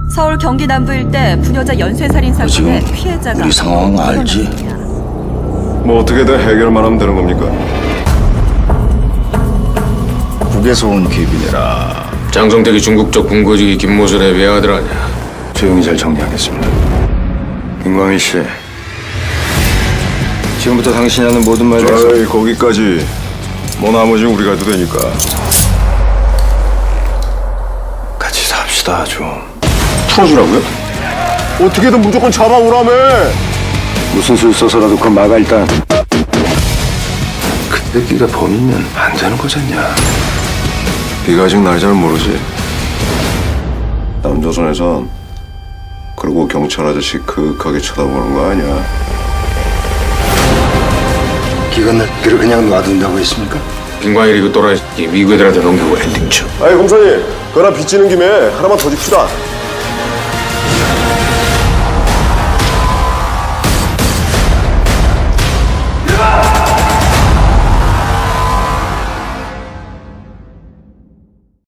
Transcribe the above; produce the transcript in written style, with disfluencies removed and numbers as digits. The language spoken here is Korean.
서울 경기 남부 일대 부녀자 연쇄살인 사건의 지금 피해자가 우리 상황 알지? 늘어났습니다. 뭐 어떻게든 해결만 하면 되는 겁니까? 북에서 온 귀빈이라 장성택이 중국 쪽 군고직이 김모순의 외아들 아니야. 조용히 잘 정리하겠습니다. 김광희 씨, 지금부터 당신이 하는 모든 말 대해서 어이, 거기까지. 뭐 나머지 우리가 해도 되니까. 같이 삽시다 좀. 풀어주라고요? 어떻게든 무조건 잡아오라며. 무슨 술 써서라도 그건 막아 일단. 근데 네가 범인은 안 되는 거잖냐. 네가 아직 날 잘 모르지. 남조선에선 그러고 경찰 아저씨 그윽하게 쳐다보는 거 아니야. 기관들을 그냥 놔둔다고 했습니까? 김광일이 그 또라이 미국 애들한테 넘기고 엔딩 쳐. 아이 검사님, 그거나 빚지는 김에 하나만 더 줍시다.